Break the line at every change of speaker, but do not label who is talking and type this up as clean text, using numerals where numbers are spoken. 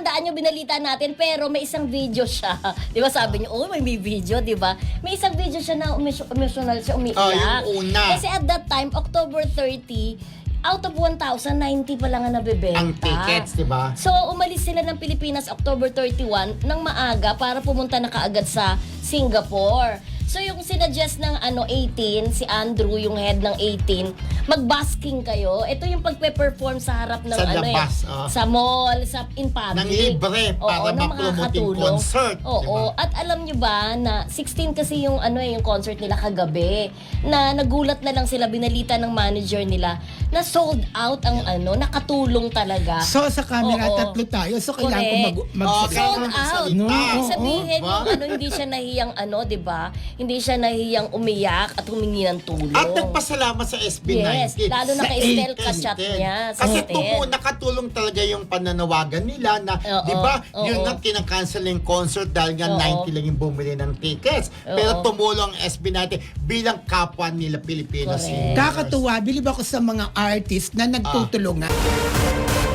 tandaan nyo, binalita natin, pero may isang video siya. Di ba sabi niyo, oh, may video, di ba? May isang video siya na emotional siya, umiiyak.
Yung una.
Kasi at that time, October 30, out of 1,000, 90 pa lang ang nabibenta.
Ang tickets, di ba?
So, umalis sila ng Pilipinas October 31 ng maaga para pumunta na kaagad sa Singapore. So, yung sinuggest ng 18, si Andrew, yung head ng 18, mag-busking kayo. Ito yung pagpe-perform sa harap ng
Sa labas,
sa mall, in public.
Nang libre para ma-promote yung concert.
Oo.
Diba?
At alam nyo ba na 16 kasi yung yung concert nila kagabi, na nagulat na lang sila, binalita ng manager nila na sold out ang nakatulong talaga.
So sa camera, tatlo tayo. So kailangan ko
sold out.
No,
Ibig sabihin
diba?
yung hindi siya nahiyang di ba? Hindi siya nahiyang umiyak at humingi ng tulong.
At nagpasalamat sa SB19.
Yes, lalo na kay Estel
Kay
ka-chat
Estel.
niya.
Kasi nakatulong talaga yung pananawagan nila na, di ba, yun nga, kinakancel yung concert dahil nga 90 lang yung bumili ng tickets. Pero tumulong ang SB19 bilang kapwa nila Pilipino
Correct.
singers.
Kakatuwa, bilib ako sa mga artist na nagtutulungan.